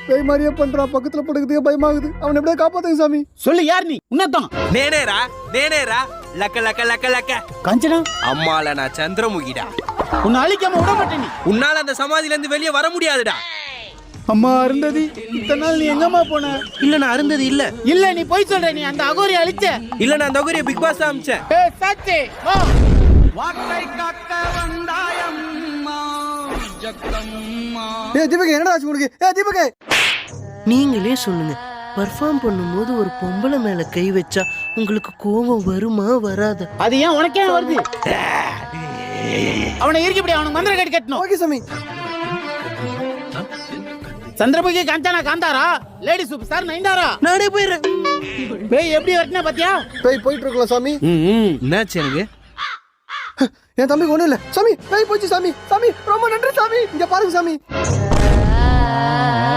பேய் மாதிரியே பண்றான், பக்கத்துல படுக்கிறதுக்கே பயமாகுது. அவன் எப்படியா காப்பாத்துங்க சாமி. சொல்லு யார் நீ? உன்னதான் நேனேரா லக்க லக்க லக்க லக்க கஞ்சனா அம்மால நான் சந்திரமுகிடா. உன்னை அழிக்காம விட மாட்டேன். நீ உன்னால அந்த சமாதியில இருந்து வெளியே வர முடியாதுடா. அம்மா அருந்ததி, இத்தனை நாள் நீ எங்கம்மா போன? இல்ல நான் அருந்தது இல்ல. இல்ல நீ போய் சொல்ற. நீ அந்த அகோரி அழிச்ச. இல்ல நான் அந்த அகோரிய பிக் பாஸ் அமிச்சேன். ஏய் சத்தே வா. வாட்டை காக்க வந்தாயம்மா ஜக்கம்மா. தீபக் என்னடா ஆச்சு உனக்கு? தீபக் நீங்களே சொல்லுங்க, பர்ஃபார்ம் பண்ணும்போது ஒரு பொம்பளை மேல கை வச்சா உங்களுக்கு கோபம் வருமா வராத? அது ஏன் உனக்கே வருது? அவனை இருக்கப்படி அவனுக்கு மந்திர கட்டி கட்டணும். ஓகே சாமி. Chandramukhi Kanchana Kantara, lady superstar Nayanthara. நானே போயிடுறேன். பேய் எப்படி வரட்டினா பாத்தியா? பேய் போயிட்டு இருக்கலாம் சாமி. என்னாச்சு எனக்கு? என் தம்பிக்கு ஒண்ணும் இல்ல சாமி. பேய் போச்சு சாமி. சாமி ரொம்ப நன்றி சாமி. இங்க பாருங்க சாமி.